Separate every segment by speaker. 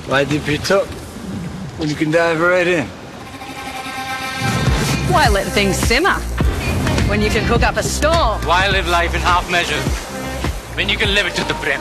Speaker 1: Why dip it up when you can dive right in?
Speaker 2: Why let things simmer when you can cook up a storm?
Speaker 3: Why live life in half measures when you can live it to the brim?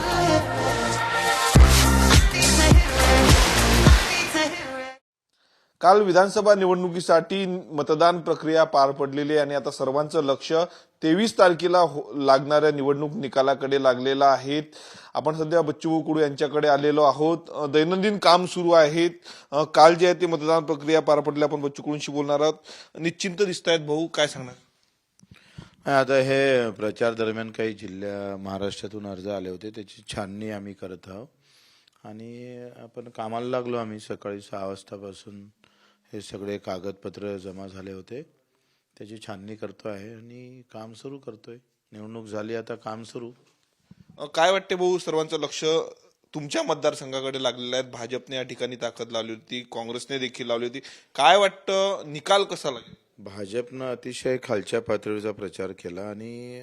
Speaker 4: काल विधानसभा निवडणुकीसाठी मतदान प्रक्रिया पार पडलेली आहे आणि आता सर्वांचं लक्ष 23 तारखेला लागणाऱ्या निवडणूक निकालाकडे लागलेलं आहे. आपण सध्या बच्चू कडू यांच्याकडे आलेलो आहोत. दैनंदिन काम सुरू आहेत. काल जे आहे ते मतदान प्रक्रिया पार पडली. आपण बच्चू कडूंशी बोलणार आहोत. निश्चिंत दिसतायत भाऊ, काय सांगणार?
Speaker 5: आता हे प्रचार दरम्यान काही महाराष्ट्रातून अर्ज आले होते, त्याची छाननी आम्ही करत आहोत आणि आपण कामाला लागलो. आम्ही सकाळी 6 वाजतापासून हे सगळे कागदपत्र जमा झाले होते, त्याची छाननी करतो आहे आणि काम सुरू करतोय. निवडणूक झाली, आता काम सुरू.
Speaker 4: काय वाटते भाऊ, सर्वांचं लक्ष तुमच्या मतदारसंघाकडे लागलेलं आहे. भाजपने या ठिकाणी ताकद लावली होती, काँग्रेसने देखील लावली होती. काय वाटतं, निकाल कसा लागेल?
Speaker 5: भाजपनं अतिशय खालच्या पातळीचा प्रचार केला आणि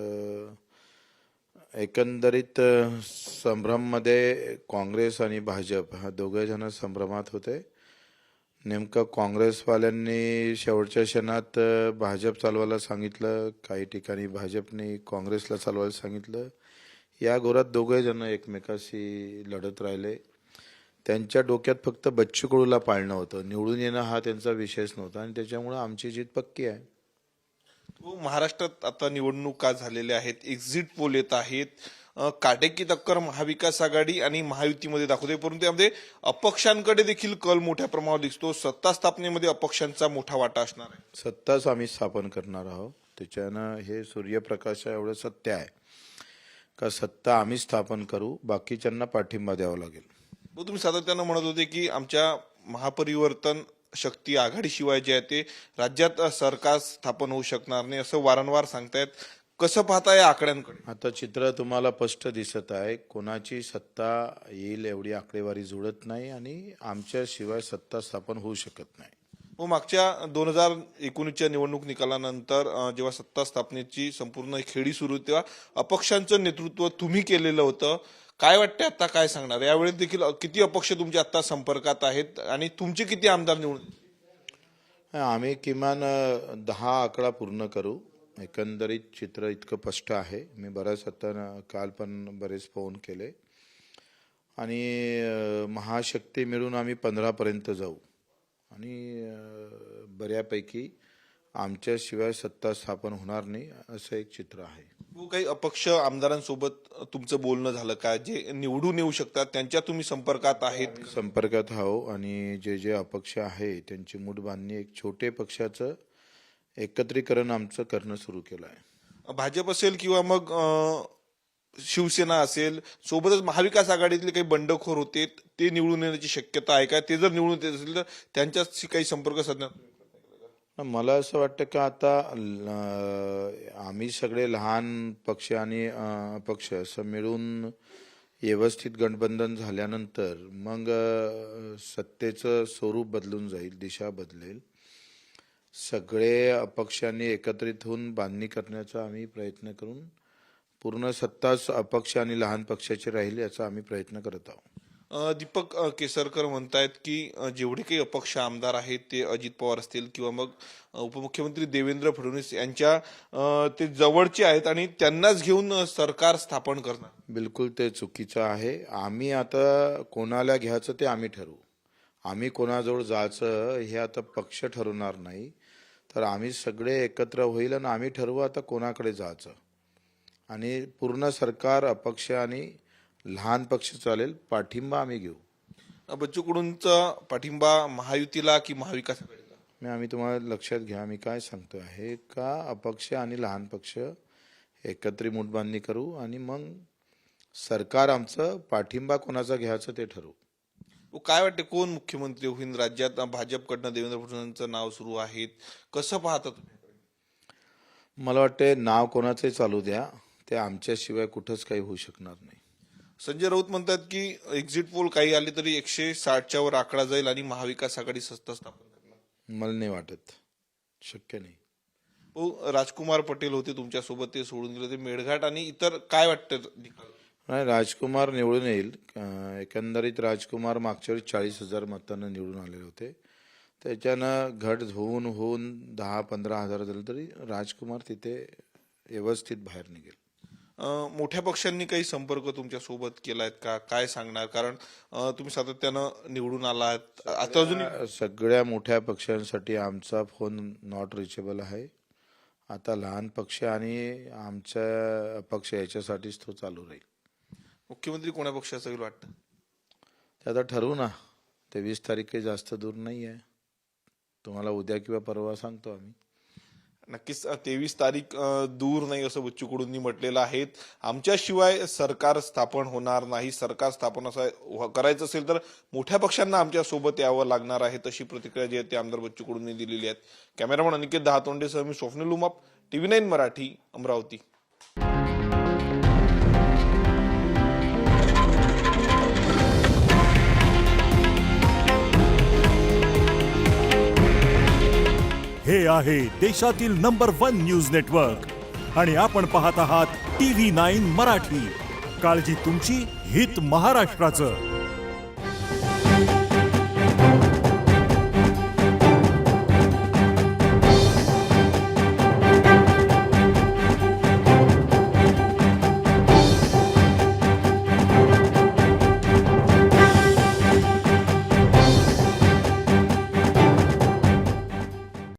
Speaker 5: एकंदरीत संभ्रममध्ये काँग्रेस आणि भाजप हा दोघे जण संभ्रमात होते. नेमकं काँग्रेसवाल्यांनी शेवटच्या क्षणात भाजप चालवायला सांगितलं, काही ठिकाणी भाजपने काँग्रेसला चालवायला सांगितलं. या घोरात दोघे जण एकमेकाशी लढत राहिले. त्यांच्या डोक्यात फक्त बच्चू कडूला पाळणं होतं, निवडून येणं हा त्यांचा विषयच नव्हता आणि त्याच्यामुळे आमची जीत पक्की आहे.
Speaker 4: महाराष्ट्रात आता निवडणुका झालेल्या आहेत, एक्झिट पोल येत आहेत. काटेकी टक्कर महाविकास आघाडी आणि महायुतीमध्ये दाखवते, परंतु त्यामध्ये अपक्षांकडे देखील कल मोठ्या प्रमाणावर दिसतो. सत्ता स्थापनेमध्ये अपक्षांचा मोठा वाटा असणार आहे.
Speaker 5: सत्ताच आम्ही स्थापन करणार आहोत. त्याच्यानं हे सूर्यप्रकाशा एवढं सत्य आहे का सत्ता आम्ही स्थापन करू, बाकीच्यांना पाठिंबा द्यावा लागेल.
Speaker 4: तुम्ही सातत्यानं म्हणत होते की आमच्या महापरिवर्तन शक्ती आघाडीशिवाय जे आहे ते राज्यात सरकार स्थापन होऊ शकणार नाही, असं वारंवार सांगतायत. कसं पाहता या आकड्यांकडे?
Speaker 5: आता चित्र तुम्हाला स्पष्ट दिसत आहे. कोणाची सत्ता येईल एवढी आकडेवारी जुळत नाही आणि आमच्याशिवाय सत्ता स्थापन होऊ शकत नाही.
Speaker 4: मागच्या 2019च्या निवडणूक निकालानंतर जेव्हा सत्ता स्थापनेची संपूर्ण खेळी सुरू होती, तेव्हा अपक्षांचं नेतृत्व तुम्ही केलेलं होतं. काय वाटतं, आता काय सांगणार? यावेळी देखील किती अपक्ष तुमच्या आता संपर्कात आहेत आणि तुमचे किती आमदार निवडून?
Speaker 5: आम्ही किमान 10 आकडा पूर्ण करू. एकंदरीत चित्र इतकं स्पष्ट आहे. मी बऱ्याच आता काल पण बरेच फोन केले आणि महाशक्ती मिळून आम्ही 15 पर्यंत जाऊ आणि बऱ्यापैकी आमच्याशिवाय सत्ता स्थापन होणार नाही असं एक चित्र आहे.
Speaker 4: काही अपक्ष आमदारांसोबत तुमचं बोलणं झालं का, जे निवडून येऊ शकतात त्यांच्या तुम्ही संपर्कात आहेत?
Speaker 5: संपर्कात आहो आणि जे अपक्ष आहे त्यांची मूठ बांधणी, एक छोटे पक्षाचं एकत्रीकरण आमचं करणं सुरू केलं आहे.
Speaker 4: भाजप असेल किंवा मग शिवसेना असेल, सोबतच महाविकास आघाडीतले काही बंडखोर होते, ते निवडून येण्याची शक्यता आहे का? ते जर निवडून येत असेल तर त्यांच्याशी काही संपर्क साधण्यात?
Speaker 5: मला असं वाटतं का आता आम्ही सगळे लहान पक्ष आणि अपक्ष असं मिळून व्यवस्थित गठबंधन झाल्यानंतर मग सत्तेचं स्वरूप बदलून जाईल, दिशा बदलेल. सगळे अपक्षांनी एकत्रित होऊन बांधणी करण्याचा आम्ही प्रयत्न करून पूर्ण सत्ताच अपक्ष आणि लहान पक्षाची राहील याचा आम्ही प्रयत्न करत आहोत.
Speaker 4: दीपक केसरकर म्हणतायत की जेवढे काही अपक्ष आमदार आहेत ते अजित पवार असतील किंवा मग उपमुख्यमंत्री देवेंद्र फडणवीस यांच्या ते जवळचे आहेत आणि त्यांनाच घेऊन सरकार स्थापन करणार.
Speaker 5: बिलकुल ते चुकीचं आहे. आम्ही आता कोणाला घ्यायचं ते आम्ही ठरवू. आम्ही कोणाजवळ जायचं हे आता पक्ष ठरवणार नाही, तर आम्ही सगळे एकत्र होईल आणि आम्ही ठरवू आता कोणाकडे जायचं आणि पूर्ण सरकार अपक्ष आणि लहान पक्ष चालेल, पाठिंबा आम्ही घेऊ.
Speaker 4: बच्चू कडूंचा पाठिंबा महायुतीला की महाविकास आघाडीला?
Speaker 5: आम्ही तुम्हाला लक्षात घ्या, मी काय सांगतो आहे का अपक्ष आणि लहान पक्ष एकत्रित मुठबांधणी करू आणि मग सरकार आमचं पाठिंबा कोणाचा घ्यायचं ते ठरवू.
Speaker 4: काय वाटते, कोण मुख्यमंत्री होईल राज्यात? भाजपकडनं देवेंद्र फडणवीसांचं नाव सुरू आहे, कसं पाहता तुम्ही?
Speaker 5: मला वाटते नाव कोणाचंही चालू द्या, ते आमच्याशिवाय कुठंच काही होऊ शकणार नाही.
Speaker 4: संजय राऊत म्हणतात की एक्झिट पोल काही आले तरी 160च्या वर आकडा जाईल आणि महाविकास आघाडी सत्ता स्थापन करणार.
Speaker 5: मला नाही वाटत, शक्य नाही.
Speaker 4: राजकुमार पटेल होते तुमच्यासोबत, ते सोडून गेले. ते मेळघाट आणि इतर काय वाटतं?
Speaker 5: नाही, राजकुमार निवडून येईल. एकंदरीत राजकुमार मागच्या वेळी 40,000 मतांना निवडून आलेले होते. त्याच्यानं घट होऊन 10-15 हजार झालं तरी राजकुमार तिथे व्यवस्थित बाहेर निघेल.
Speaker 4: मोठ्या पक्षांनी काही संपर्क तुमच्या सोबत केलायत का, काय सांगणार? कारण तुम्ही सातत्यानं निवडून आलात, आता अजून
Speaker 5: सगळ्या मोठ्या पक्षांसाठी आमचा फोन नॉट रिचेबल आहे. आता लहान पक्ष आणि आमच्या पक्ष याच्यासाठीच तो चालू राहील.
Speaker 4: मुख्यमंत्री कोण्या पक्षाचं होईल वाटतं?
Speaker 5: ते आता ठरवू ना. 23 तारीख काही जास्त दूर नाही आहे. तुम्हाला उद्या किंवा परवा सांगतो आम्ही.
Speaker 4: नक्कीच 23 तारीख दूर नाही असं बच्चू कडूंनी म्हटलेलं आहे. आमच्याशिवाय सरकार स्थापन होणार नाही. सरकार स्थापन असं करायचं असेल तर मोठ्या पक्षांना आमच्या सोबत यावं लागणार आहे, तशी प्रतिक्रिया जी आहे ती आमदार बच्चू कडूंनी दिलेली आहे. कॅमेरामन अनिकेत दहातोंडेसह मी स्वप्नील उमाप, TV9 मराठी, अमरावती.
Speaker 6: हे आहे देशातील नंबर 1 न्यूज नेटवर्क आणि आपण पाहत आहात TV9 मराठी. काळजी तुमची, हित महाराष्ट्राचं.